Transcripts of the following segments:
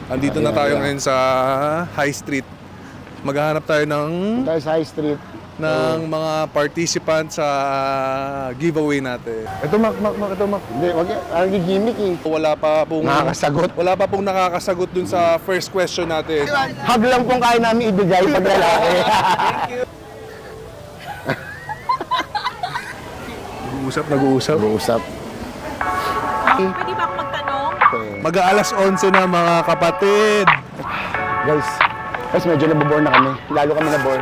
Andito na tayo ngayon sa High Street. Maghahanap tayo ng Sa High Street. mga participants sa giveaway natin. Ito, Mac. Hindi, wag yan. Ang gimmick eh. Wala pa pong Nakakasagot. Wala pa pong nakakasagot dun sa first question natin. Hug lang pong kaya namin ibigay pag lalaki. Nag-uusap. Usap. Pwede ba ako magtanong? Mag-aalas 11 na mga kapatid. Guys, medyo nabobore na kami. Lalo kami nabore.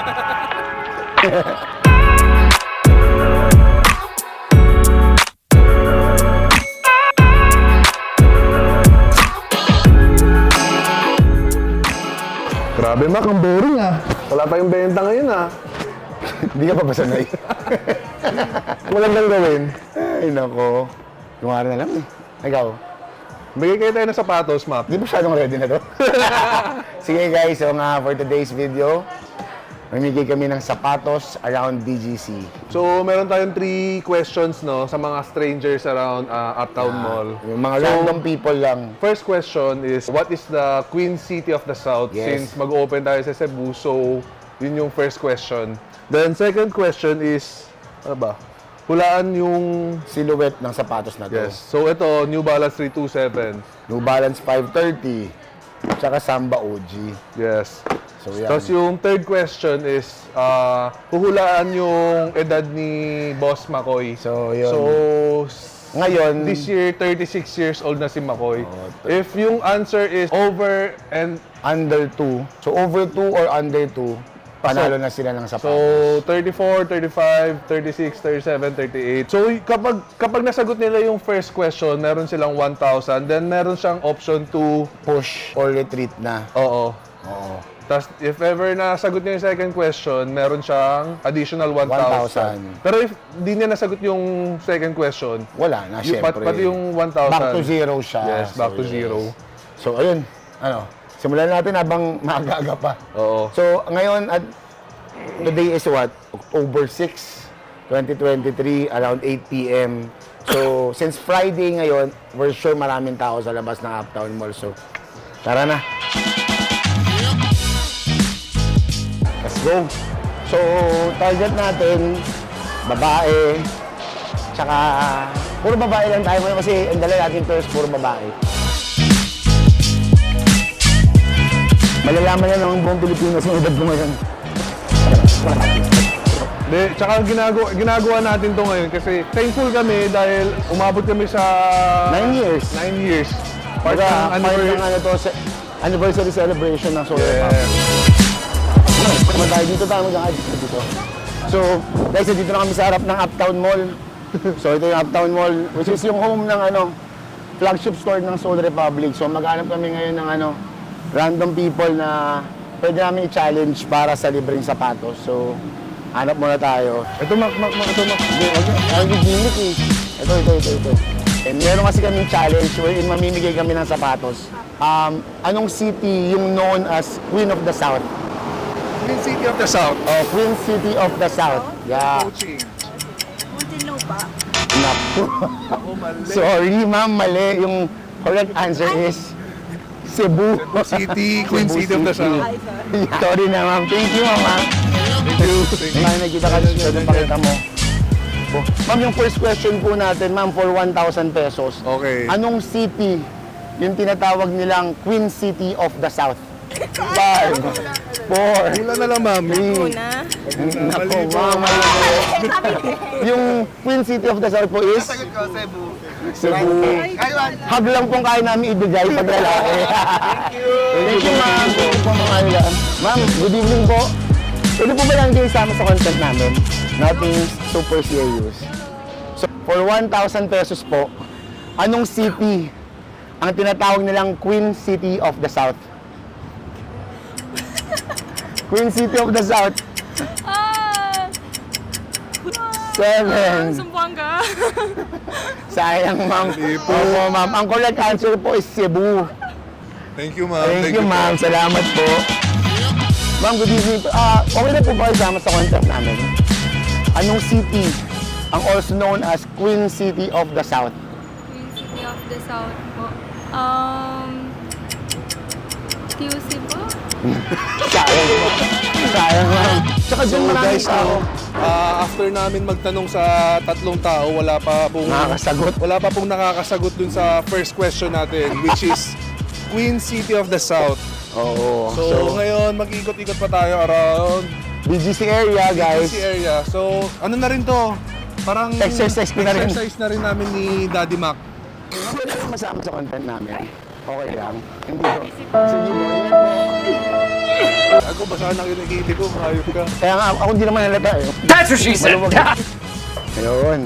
Grabe Mac, ang boring ah. Wala pa yung benta ngayon ah. Hindi ka pa ba sanay? Magandang gawin. Ay, nako. Kumari na lang eh. Ikaw, Bigay kayo tayo ng sapatos, Mac. di ba masyadong ready na to? Sige guys, so nga for today's video, mamigay kami ng sapatos around BGC. So, meron tayong 3 questions no sa mga strangers around Uptown Mall. Yung mga random people lang. First question is, what is the Queen City of the South? Yes. Since mag-open tayo sa Cebu, so yun yung first question. Then second question is, ano ba? Hulaan yung... Silhouette ng sapatos na to. Yes. So ito, New Balance 327. New Balance 530. Tsaka Samba OG. Yes. So yan. Tapos yung third question is, huhulaan yung edad ni Boss Makoy. So, yun. So, Ngayon, this year, 36 years old na si Makoy. Oh, If yung answer is over and under 2. So over 2 or under 2, panalo na sila ng so sapatos. 34, 35, 36, 37, 38. So kapag nasagot nila yung first question, meron silang 1,000. Then meron siyang option to Push or retreat na. oo. Oo. Tapos if ever nasagot niya yung second question, meron siyang additional 1,000. 1,000. Pero if di niya nasagot yung second question, Wala na, yung, syempre. pati yung 1,000. Back to zero siya. Yes, back to yes. zero. So, ayun. Simulan natin habang maaga pa. Oo. So, ngayon, at today is what? October 6, 2023, around 8 p.m. So, since Friday ngayon, we're sure maraming tao sa labas ng Uptown Mall. So, tara na. Let's go. So, target natin, babae, tsaka, puro babae lang tayo ngayon kasi ang dala natin first, puro babae. Malalaman na ng buong Pilipinas yung edad ko ngayon. De, tsaka ginagawa natin to ngayon kasi thankful kami dahil umabot kami sa 9 years. 9 years. Part Part ng ng ano to, anniversary celebration ng Solar Yeah. Pump. Naman tayo dito, tayo mag-a-adjust dito. So, guys, dito na kami sa harap ng Uptown Mall. So, ito yung Uptown Mall, which is yung home ng flagship store ng Soul Republic. So, maghanap kami ngayon ng random people na pwede namin i-challenge para sa libreng sapatos. So, hanap muna tayo. Ito Mac. Hindi, wag yun. Ang gimmick eh. Ito. And meron kasi kaming challenge wherein mamimigay kami ng sapatos. Anong city yung known as Queen of the South? Queen City of the South. Oh, Queen City of the South. Yeah. Coaching. Muntinlupa. Naku. Oh, mali. Sorry, ma'am. Mali. Yung correct answer is Cebu. City, Queen Cebu City of the South. Ay, sorry. Sorry na, ma'am. Thank you, ma'am. Thank you. Ay, nakita ka dito. Pakita mo. Oh. Ma'am, yung first question po natin, ma'am, for 1,000 pesos. Okay. Anong city yung tinatawag nilang Queen City of the South? 5, 4, Wala na lang, ma'am. Una. Naku, ma'am. Yung Queen City of the South po is? Cebu. Hug lang pong kaya namin ibigay pag lalaki. Thank you, ma'am. Thank you po, mga nila. Ma'am, good evening po. Pwede po ba lang din isama sa content namin? Nothing super serious. So, for 1,000 pesos po, anong city ang tinatawag nilang Queen City of the South? Queen City of the South. 7. Sumbuanga. Sayang, ma'am. Opo, ma'am. Ang correct answer po is Cebu. Thank you, ma'am. Thank you, ma'am. Salamat po. Ma'am, good evening po. Okay na po ba isama sa content namin? Anong city ang also known as Queen City of the South? Queen City of the South po. QC po. Sayang po. Sayang ma'am. Tsaka So dyan maraming guys, tao. after namin magtanong sa tatlong tao, wala pa pong nakakasagot dun sa first question natin, which is Queen City of the South. Oo. So, ngayon mag-ikot-ikot pa tayo around BGC area, guys. BGC area. So, ano na rin to? Parang Exercise ko na rin. exercise na rin namin ni Daddy Mac. Wala naman masama sa content namin. Okay lang. Hindi ko. Sige mo, ingat mo. Ako, basahan ang kinikiti ko. Hayop ka. Kaya nga, ako hindi naman halata eh. That's what she said. Ayun.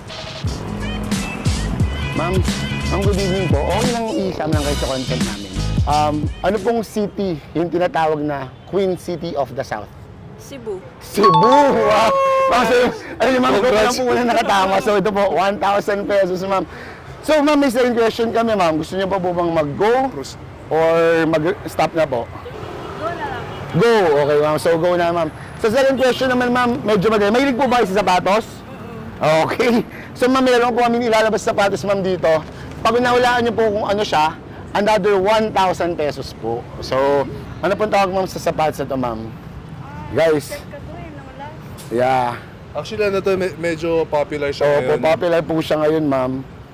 Ma'am, good evening po. Okay lang i-isama lang kayo sa content namin. Ano pong city yung tinatawag na Queen City of the South? Cebu. Cebu! Wow! So, ano yung ma'am, ito lang po muna nakatama. So ito po, 1,000 pesos ma'am. So ma'am, may second question kami ma'am. Gusto niyo pa po bang mag-go or mag-stop na po? Go na lang. Go! Okay ma'am, so go na ma'am. Sa second question naman ma'am, medyo madali. Mahilig po ba kayo sa sapatos? Okay. So ma'am, meron po kami ilalabas sa sapatos ma'am dito. Pag nahulaan niyo po kung ano siya, another 1,000 pesos po. So, ano pong tawag ma'am sa sapatos na ito ma'am? Guys, yeah. Actually, ano to, medyo popular siya So, ngayon. popular po siya ngayon ma'am.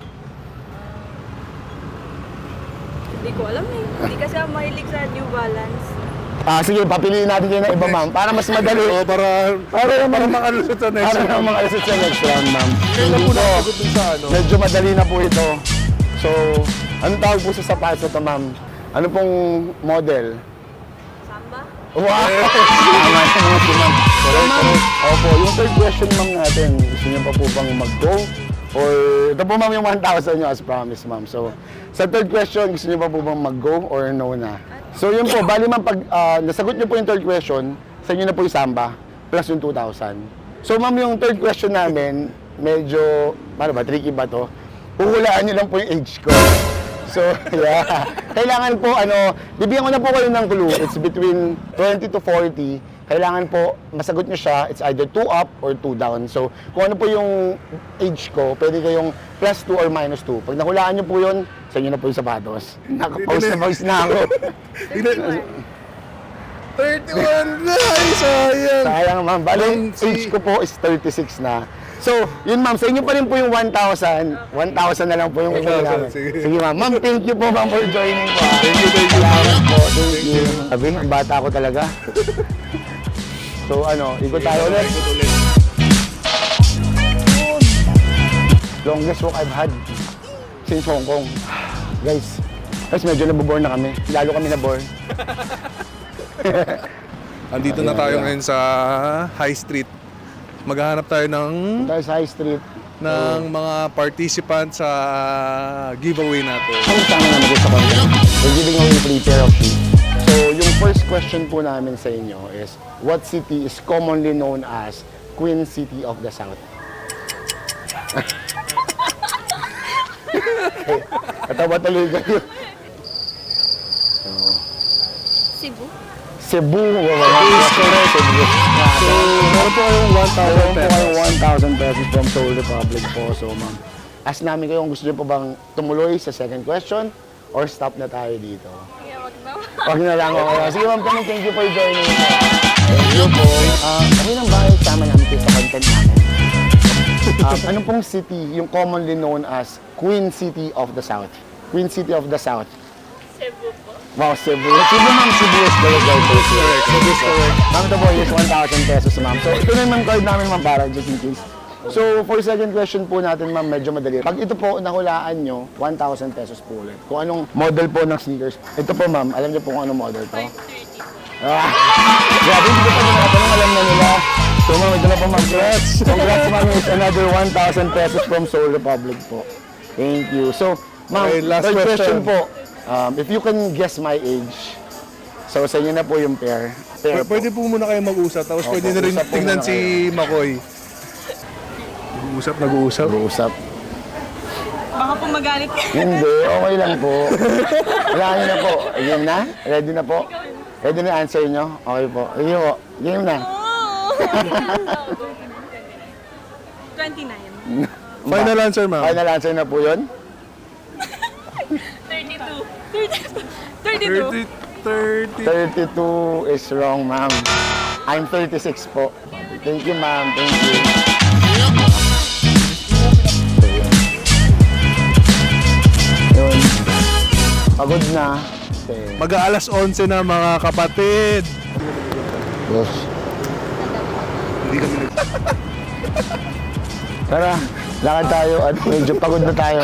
Hindi ko alam eh. Hindi kasi ako mahilig sa New Balance. Sige, papiliin natin kayo ng iba ma'am. Para mas madali. Oo, para makalusot sa next Para round. mga alasot sa next round ma'am. Kailan po nakasagot dun sa ano? Medyo madali na po ito. So, anong tawag po sa sapatos na ito ma'am? Ano pong model? Samba? Wow! Tama sa mga si ma'am. So, ma'am, opo, yung third question ma'am natin, gusto niyo pa po bang mag-go? Or, ito po ma'am yung 1,000 nyo as promised ma'am. So, sa third question, gusto niyo pa po bang mag-go or no na? So, yun po, bali ma'am, pag nasagot niyo po yung third question, sa inyo na po yung samba, plus yung 2,000. So, ma'am, yung third question namin, medyo, paano ba, tricky ba to? Uhulaan niyo lang po yung age ko. So, yeah. Kailangan po, bibigyan ko na po kayo ng clue. It's between 20 to 40. Kailangan po, masagot nyo siya, it's either 2 up or 2 down. So, kung ano po yung age ko, pwede kayong plus 2 or minus 2. Pag nahulaan nyo po yun, sa inyo na po yung sapatos. Naka-pause na ako. 31 na! Ay, sayang! Sayang, ma'am. Bali, yung Si- age ko po is 36 na. So, yun ma'am, sa inyo pa rin po yung 1,000. 1,000 na lang po yung 1,000, namin. sige. Sige ma'am. Ma'am, thank you po ma'am for joining po. Thank you. Salamat po. Thank you. Sabi, ang bata ko talaga. So, ikot tayo ulit. Longest walk I've had since Hong Kong. Guys, medyo nabobore na kami. Lalo kami nabore. Andito na tayo ngayon sa High Street. Maghahanap tayo ng Tayo sa High Street. mga participants sa giveaway natin. Ang sama naman dito sa content. We're giving away free pair of shoes. So, yung first question po namin sa inyo is, what city is commonly known as Queen City of the South? Katawa tuloy kayo. Cebu? Cebu. Cebu. So, meron po kayong 1,000 pesos. 1,000 pesos from Seoul Republic po. So, ma'am, ask namin kayo kung gusto niyo po bang tumuloy sa second question or stop na tayo dito. Kaya wag na. Wag na lang ako. Sige ma'am, thank you for joining me. Thank you po. Okay lang ba sama namin kayo sa content namin? Ano pong city yung commonly known as Queen City of the South? Queen City of the South. Cebu po. Wow, Cebu. Cebu ma'am, Cebu is correct. Cebu is correct. Ma'am, ito po is 1,000 pesos ma'am. So, ito na yung ma'am card namin ma'am para just in case. So, for second question po natin ma'am, medyo madali. Pag ito po nahulaan nyo, 1,000 pesos po ulit. Kung anong model po ng sneakers. Ito po ma'am, alam niyo po kung anong model to? 530. Grabe, hindi ko pa tinatanong, alam na nila. So ma'am, ito na po ma'am. Congrats ma'am, it's another 1,000 pesos from Seoul Republic po. Thank you. So, ma'am, Okay, last third question question. po. If you can guess my age, so sa inyo na po yung pair. Pair po. Pwede po muna kayo mag-usap, tapos Opo, pwede na rin usap po tingnan muna si Makoy. Nag-uusap. Baka po magalit. Hindi, okay lang po. Wala nyo na po. Game na? Ready na po? Ready na answer nyo? Okay po. Sige po. Game na. Oh! 29. Final answer, ma'am. Final answer na po yun? 32. 32. 32. 30. 32 is wrong, ma'am. I'm 36 po. Thank you, ma'am. Thank you. Yun. Pagod na. Okay. Mag-aalas 11 na mga kapatid. Yes. Hindi kami Tara, lakad tayo at medyo pagod na tayo.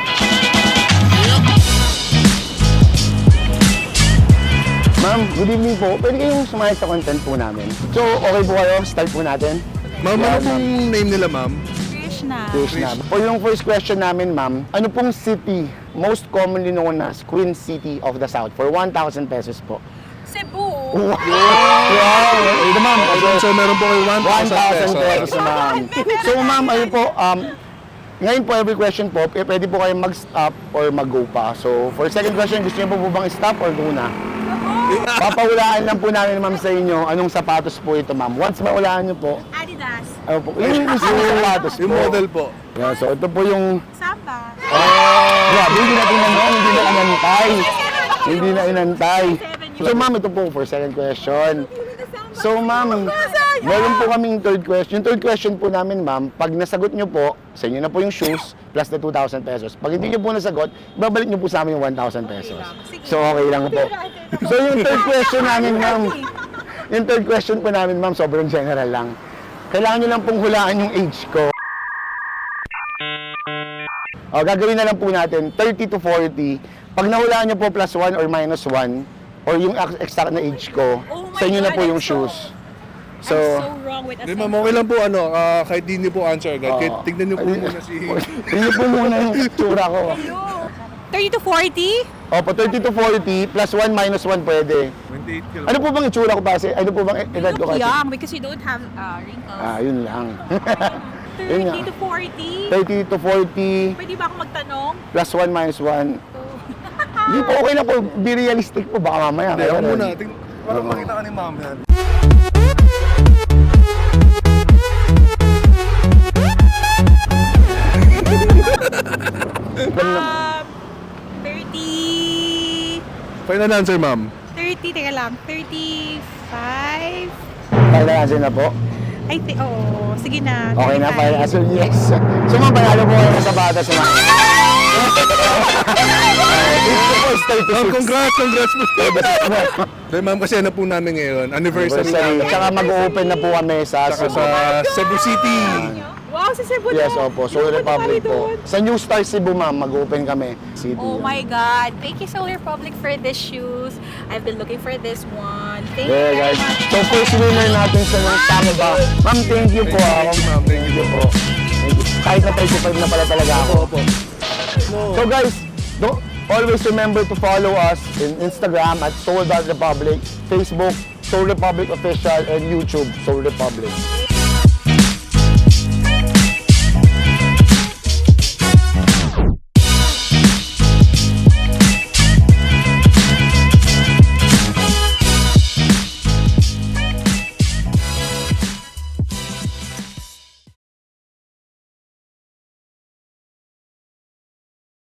Ma'am, good evening po. Pwede kayong sumali sa content po namin. So, okay po kayo? Start po natin. Ma'am, ano pong name nila, ma'am? Krishna. Krishna. For yung first question namin, ma'am, ano pong city most commonly known as Queen City of the South for 1,000 pesos po? Cebu. Wow! Ito, ma'am. So, meron po kayo 1,000 1,000 pesos, ma'am. So, ma'am, ayun po, ngayon po, every question po, pwede po kayong mag-stop or mag-go pa. So, for second question, gusto niyo po bang stop or go na? Papahulaan lang po namin, ma'am, sa inyo anong sapatos po ito, ma'am. Once mahulaan niyo po, Adidas. ano po, yung mismo sapatos po. Yung model po. Yeah, so, ito po yung... Samba. Grabe, hindi natin naman, hindi na inantay. Hindi na inantay. So, ma'am, ito po for second question. So, ma'am, meron po kaming third question. Yung third question po namin, ma'am, pag nasagot nyo po, sa inyo na po yung shoes plus the 2,000 pesos. Pag hindi nyo po nasagot, babalik nyo po sa amin yung 1,000 pesos. So, okay lang po. So, yung third question namin, ma'am, yung third question po namin, ma'am, sobrang general lang. Kailangan nyo lang pong hulaan yung age ko. O, gagawin na lang po natin, 30 to 40. Pag nahulaan nyo po plus 1 or minus 1, or yung exact na age ko, Oh my sa inyo na po God, yung I'm shoes. I'm So, so wrong with Hindi, ma'am, okay lang po, kahit di niyo po answer agad. Oo. Kahit tignan niyo po muna si... tingnan po muna yung tsura ko. 30 to 40? Opo, 30 to 40, plus 1 minus 1 pwede. 28 ka lang. Ano po bang itsura ko kasi? Ano po bang edad ko Look kasi? young because you don't have wrinkles. Yun lang. Yun nga. 30 to 40? 30 to 40, Pwede ba akong magtanong? plus 1 minus 1. Hindi po, okay lang po. Be realistic po. Baka mamaya. Hindi, ako Kaya muna. ganun. Parang makita ka ni ma'am yan. Um, 30... Final answer, ma'am. 30, teka lang. 35? Final answer na po. I think, oo. Sige na. Okay na, 35. final answer, yes. So, ma'am, panalo po kayo sa bata sa mga. Congrats po. Dahil ma'am, kasi ano po namin ngayon, anniversary Anniversary. namin. Tsaka mag-open na po kami sa Saka sa Cebu City. Wow, sa Cebu Yes, na. opo. Soul Hindi ako Republic nakakali po. doon. Sa New Star Cebu, ma'am, mag-open kami. City. Oh my God. Thank you, Soul Republic, for these shoes. I've been looking for this one. Thank you Yeah, very guys. much. So, first winner natin sa ng tama ba? Ma'am, thank you po. Thank you, ma'am. Thank you po. Thank you. Kahit na 35 na pala talaga ako. Opo. So, guys, always remember to follow us in Instagram at Soul Republic, Facebook, Soul Republic Official, and YouTube, Soul Republic.